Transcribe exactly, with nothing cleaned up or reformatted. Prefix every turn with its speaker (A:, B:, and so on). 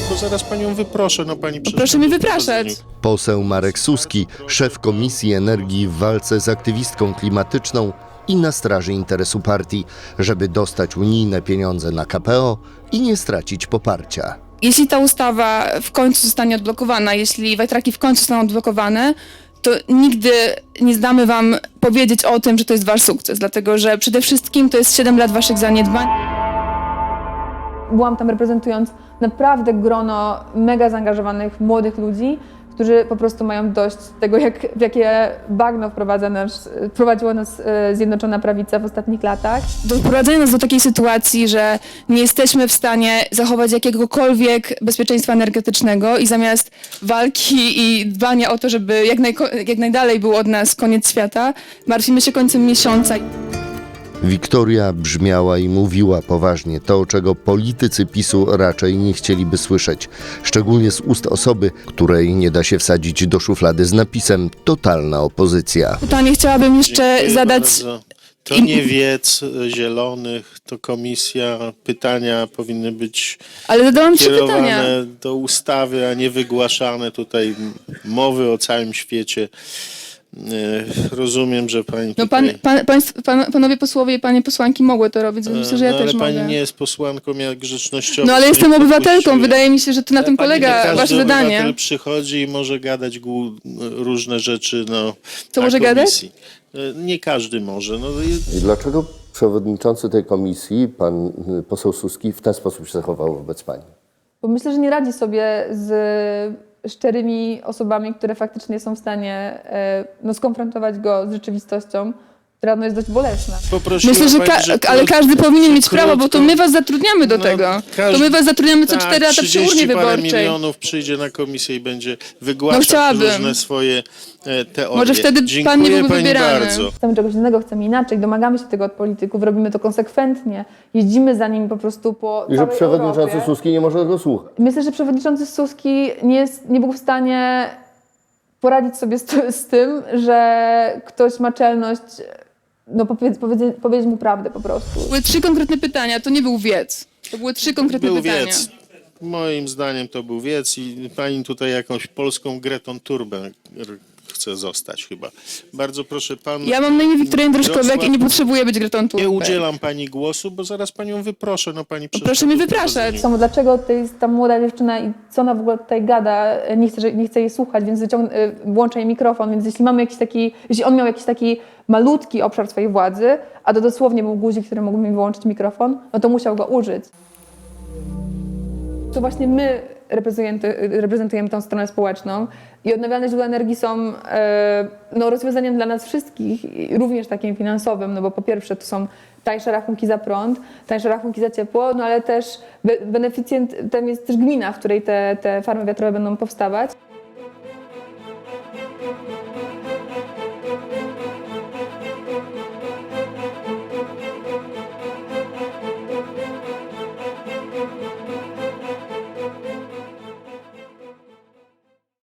A: bo zaraz panią wyproszę, no pani
B: Proszę mnie wypraszać.
C: Poseł Marek Suski, szef Komisji Energii w walce z aktywistką klimatyczną i na straży interesu partii, żeby dostać unijne pieniądze na K P O i nie stracić poparcia.
B: Jeśli ta ustawa w końcu zostanie odblokowana, jeśli wiatraki w końcu zostaną odblokowane, to nigdy nie zdamy wam powiedzieć o tym, że to jest wasz sukces, dlatego że przede wszystkim to jest siedem lat waszych zaniedbań. Byłam tam reprezentując naprawdę grono mega zaangażowanych młodych ludzi, którzy po prostu mają dość tego, jak, w jakie bagno wprowadza nas, wprowadziła nas e, Zjednoczona Prawica w ostatnich latach. Doprowadzenie nas do takiej sytuacji, że nie jesteśmy w stanie zachować jakiegokolwiek bezpieczeństwa energetycznego i zamiast walki i dbania o to, żeby jak, najko- jak najdalej był od nas koniec świata, martwimy się końcem miesiąca.
C: Wiktoria brzmiała i mówiła poważnie to, czego politycy PiSu raczej nie chcieliby słyszeć, szczególnie z ust osoby, której nie da się wsadzić do szuflady z napisem totalna opozycja.
B: Pytanie chciałabym jeszcze
A: Dziękuję
B: zadać.
A: bardzo. To nie wiec Zielonych, to komisja. Pytania powinny być
B: Ale zadałam trzy pytania.
A: kierowane do ustawy, a nie wygłaszane tutaj mowy o całym świecie. E, Rozumiem, że pani
B: No pan,
A: tutaj...
B: pan, państw, pan, panowie posłowie i panie posłanki mogły to robić, więc myślę, że ja
A: no,
B: też
A: ale pani
B: mogę.
A: nie jest posłanką, jak grzecznościowo.
B: No ale
A: sobie
B: jestem obywatelką,
A: popuściły.
B: wydaje mi się, że to na tym
A: Pani,
B: polega
A: nie każdy
B: wasze zadanie.
A: obywatel przychodzi i może gadać głu- różne rzeczy no,
B: Co
A: na
B: może
A: komisji. E, Nie każdy może. No, i-
C: I dlaczego przewodniczący tej komisji, pan poseł Suski, w ten sposób się zachował wobec pani?
B: Bo myślę, że nie radzi sobie z szczerymi osobami, które faktycznie są w stanie e, no, skonfrontować go z rzeczywistością, która no, jest dość bolesna.
A: Poprosiła
B: Myślę, że
A: pani,
B: ka-
A: że
B: ale
A: krót-
B: każdy powinien mieć
A: krótko-
B: prawo, bo to my was zatrudniamy do
A: No,
B: tego.
A: każdy-
B: To my was zatrudniamy co
A: tak,
B: cztery lata przy urnie
A: trzydzieści parę
B: wyborczej.
A: milionów przyjdzie na komisję i będzie wygłaszać
B: No, chciałabym.
A: różne swoje e, teorie.
B: Może wtedy pan
A: Dziękuję
B: nie byłby
A: pani
B: wybierany.
A: bardzo.
B: Chcemy czegoś innego, chcemy inaczej, domagamy się tego od polityków, robimy to konsekwentnie, jeździmy za nimi po prostu po
C: I że
B: całej
C: przewodniczący
B: Europie.
C: Suski nie może go słuchać.
B: Myślę, że przewodniczący Suski nie, jest, nie był w stanie poradzić sobie z, z tym, że ktoś ma czelność no, powiedz, powiedz, powiedzieć mu prawdę po prostu. Były trzy konkretne pytania, to nie był wiec. To były trzy konkretne
A: Był
B: pytania.
A: wiec. Moim zdaniem to był wiec i pani tutaj jakąś polską Gretą Turbę chce zostać chyba. Bardzo proszę pan...
B: Ja mam na imię Wiktoria Jędroszkowiak
A: Wrocław-
B: i nie potrzebuję być Gretą Thunberg.
A: Nie udzielam pani głosu, bo zaraz panią wyproszę. No pani
B: Proszę mnie wypraszać. Samo dlaczego to jest ta młoda dziewczyna i co ona w ogóle tutaj gada, nie chcę, że- nie chcę jej słuchać, więc wyciąg- y, włączę jej mikrofon, więc jeśli mamy jakiś taki, jeśli on miał jakiś taki malutki obszar swojej władzy, a to dosłownie był guzik, który mógł mi wyłączyć mikrofon, no to musiał go użyć. To właśnie my reprezentujemy, reprezentujemy tą stronę społeczną i odnawialne źródła energii są e, no, rozwiązaniem dla nas wszystkich, i również takim finansowym, no bo po pierwsze to są tańsze rachunki za prąd, tańsze rachunki za ciepło, no ale też be- beneficjentem jest też gmina, w której te, te farmy wiatrowe będą powstawać.